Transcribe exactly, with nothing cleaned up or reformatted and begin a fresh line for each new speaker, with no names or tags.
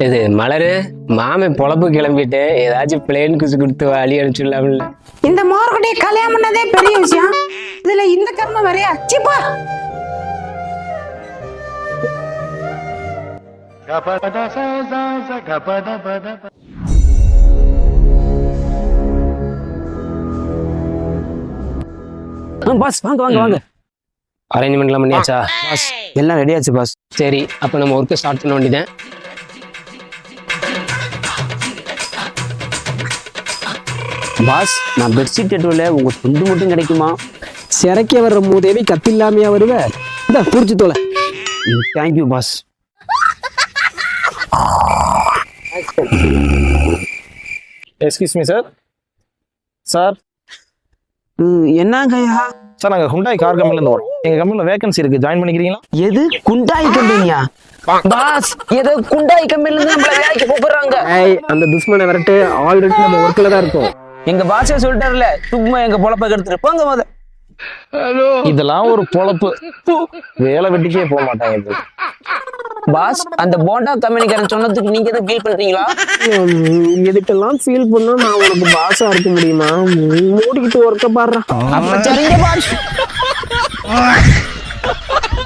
இது மலரு மாமன் பொழப்பு கிளம்பிட்டு ஏதாச்சும் பிளேன் குசு கொடுத்து வழி அனுப்பிச்சுடலாம்ல.
இந்த மோர்கடையை கல்யாணம் பண்ணதே பெரிய விஷயம், இதுல இந்த கர்மம் வரையா சிப்பா.
பாஸ் வாங்க வாங்க வாங்க.
அரேஞ்ச்மெண்ட்லாம் பண்ணியாச்சா?
பாஸ் எல்லாம் ரெடி ஆச்சு பாஸ்.
சரி, அப்போ நம்ம ஒர்க்கை ஸ்டார்ட் பண்ண வேண்டியதான்.
பாஸ் நான் பெட்ஷீட் எட்டுவல உங்க துண்டு மட்டும் கிடைக்குமா?
சிறைக்க வர்ற மூதேவி கத்தில்லாமையா வருவ, இந்த புடிச்சு தோலை.
Thank you boss.
Excuse me sir. Sir
என்னங்கய்யா?
சார் நாங்கள் ஹுண்டாய் கார் கம்பெனிலேருந்து வரோம். எங்கள் கம்பெனியில் வேகன்சி இருக்குது, ஜாயின் பண்ணிக்கிறீங்களா?
எது குண்டாய் கம்பெனியா? பாஸ் ஏதோ குண்டாய் கம்பெனில இருந்து நம்மள வேலைக்கு கூப்பிடுறாங்க.
ஏய் அந்த துஷ்மனை விரட்டு, ஆல்ரெடி நம்ம ஒர்க்கில் தான் இருக்கோம்.
எங்க பாஸே சொல்லிட்டாருல, சும்மா எங்க பொழப்ப கெடுத்துட்டு போங்க முத.
இதெல்லாம் ஒரு பொழப்பு, வேலை வெட்டிக்கே போக மாட்டாங்க இது.
பாஸ் அந்த போண்டா கம்பெனிக்காரன் சொன்னதுக்கு நீங்க எதுவும் ஃபீல் பண்றீங்களா?
எதுக்கெல்லாம் ஃபீல் பண்ணா நான் உனக்கு பாஸா இருக்க முடியுமா? மூடிக்கிட்டு ஒர்க்க பாடுறேன்.
அப்ப சரிங்க பாஸ்.